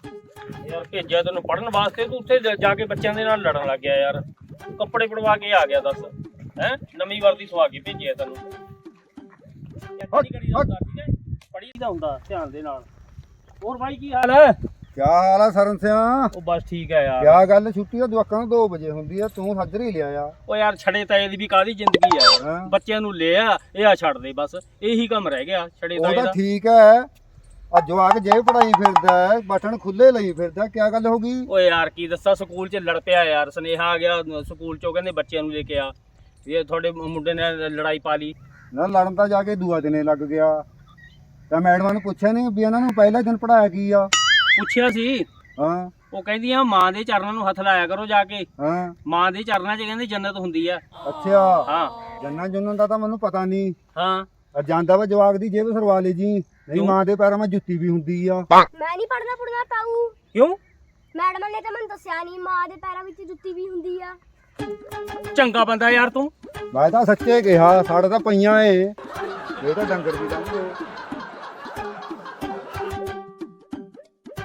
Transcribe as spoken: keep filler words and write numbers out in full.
ਯਾਰ ਭੇਜਿਆ ਤੈਨੂੰ ਪੜਨ ਵਾਸਤੇ, ਤੂੰ ਉੱਥੇ ਜਾ ਕੇ ਬੱਚਿਆਂ ਦੇ ਨਾਲ ਲੜਨ ਲੱਗ ਗਿਆ ਯਾਰ। ਕੱਪੜੇ ਪੜਵਾ ਕੇ ਆ ਗਿਆ ਦੱਸ ਹੈ, ਨਵੀਂ ਵਰਦੀ ਸਵਾ ਕੇ ਭੇਜਿਆ ਤੈਨੂੰ। ਪੜੀ ਦਾ ਹੁੰਦਾ ਧਿਆਨ ਦੇ ਨਾਲ। ਹੋਰ ਭਾਈ ਕੀ ਹਾਲ ਹੈ? ਕਿਆ ਹਾਲ ਆ ਸਰਨ ਸਿਆ? ਉਹ ਬਸ ਠੀਕ ਹੈ ਯਾਰ। ਕਿਆ ਗੱਲ, ਛੁੱਟੀ ਤਾਂ ਜਵਾਕਾਂ ਨੂੰ ਦੋ ਵਜੇ ਹੁੰਦੀ ਆ, ਤੂੰ ਹਾਜ਼ਰੀ ਲਿਆ ਆ। ਉਹ ਯਾਰ ਛੜੇ ਤਾਏ ਦੀ ਵੀ ਕਾਹਦੀ ਜ਼ਿੰਦਗੀ ਆ ਯਾਰ। ਹਾਂ। ਬੱਚਿਆਂ ਨੂੰ ਲੈ ਆ, ਇਹ ਆ ਛੱਡ ਦੇ, ਬਸ ਇਹੀ ਕੰਮ ਰਹਿ ਗਿਆ ਛੜੇ ਉਹ ਤਾਏ ਤਾਂ ਦਾ। ਠੀਕ ਹੈ, ਆ ਜਵਾਕ ਜੇ ਪੜਾਈ ਫਿਰਦਾ ਹੈ, ਬਟਨ ਖੁੱਲੇ ਲਈ ਫਿਰਦਾ, ਕਿਆ ਗੱਲ ਹੋ ਗਈ? ਓਏ ਯਾਰ ਕੀ ਦੱਸਾਂ, ਸਕੂਲ 'ਚ ਲੜ ਪਿਆ ਯਾਰ। ਸੁਨੇਹਾ ਆ ਗਿਆ ਸਕੂਲ 'ਚੋਂ, ਕਹਿੰਦੇ ਬੱਚਿਆਂ ਨੂੰ ਲੈ ਕੇ ਆ, ਇਹ ਤੁਹਾਡੇ ਮੁੰਡੇ ਨੇ ਲੜਾਈ ਪਾ ਲਈ। ਨਾ ਲੜਨ ਤਾਂ ਜਾ ਕੇ ਦੂਆ ਦਿਨੇ ਲੱਗ ਗਿਆ। ਤਾਂ ਮੈਡਮਾਂ ਨੂੰ ਪੁੱਛਿਆ ਨਹੀਂ ਵੀ ਇਹਨਾਂ ਨੂੰ ਪਹਿਲਾ ਦਿਨ ਪੜਾਇਆ ਕੀ ਆ? ਪੁੱਛਿਆ ਸੀ, ਹਾਂ ਉਹ ਕਹਿੰਦੀਆਂ ਮਾਂ ਦੇ ਚਰਨਾਂ ਨੂੰ ਹੱਥ ਲਾਇਆ ਕਰੋ ਜਾ ਕੇ। ਹਾਂ ਮਾਂ ਦੇ ਚਰਨਾਂ 'ਚ ਕਹਿੰਦੇ ਜੰਨਤ ਹੁੰਦੀ ਆ। ਅੱਛਾ, ਹਾਂ ਜੰਨਾ ਜੁੰਨਨ ਦਾ ਤਾਂ ਮੈਨੂੰ ਪਤਾ ਨਹੀਂ। ਹਾਂ ਆ ਜਾਂਦਾ ਵਾ ਜਵਾਕ ਦੀ ਜੇਬ ਸਰਵਾ ਲਈ ਜੀ, ਨਹੀਂ ਮਾਂ ਦੇ ਪੈਰਾਂ 'ਚ ਜੁੱਤੀ ਵੀ ਹੁੰਦੀ ਆ। ਮੈਂ ਨਹੀਂ ਪੜਨਾ ਪੜਨਾ ਤਾਊ। ਕਿਉਂ? ਮੈਡਮ ਨੇ ਤਾਂ ਮੈਨੂੰ ਦੱਸਿਆ ਨਹੀਂ, ਮਾਂ ਦੇ ਪੈਰਾਂ ਵਿੱਚ ਜੁੱਤੀ ਵੀ ਹੁੰਦੀ ਆ। ਚੰਗਾ ਬੰਦਾ ਯਾਰ ਤੂੰ। ਮੈਂ ਤਾਂ ਸੱਚੇ ਕਿਹਾ, ਸਾਡੇ ਤਾਂ ਪਈਆਂ ਏ, ਇਹ ਤਾਂ ਡੰਗਰ ਵੀ ਦੰਗੇ।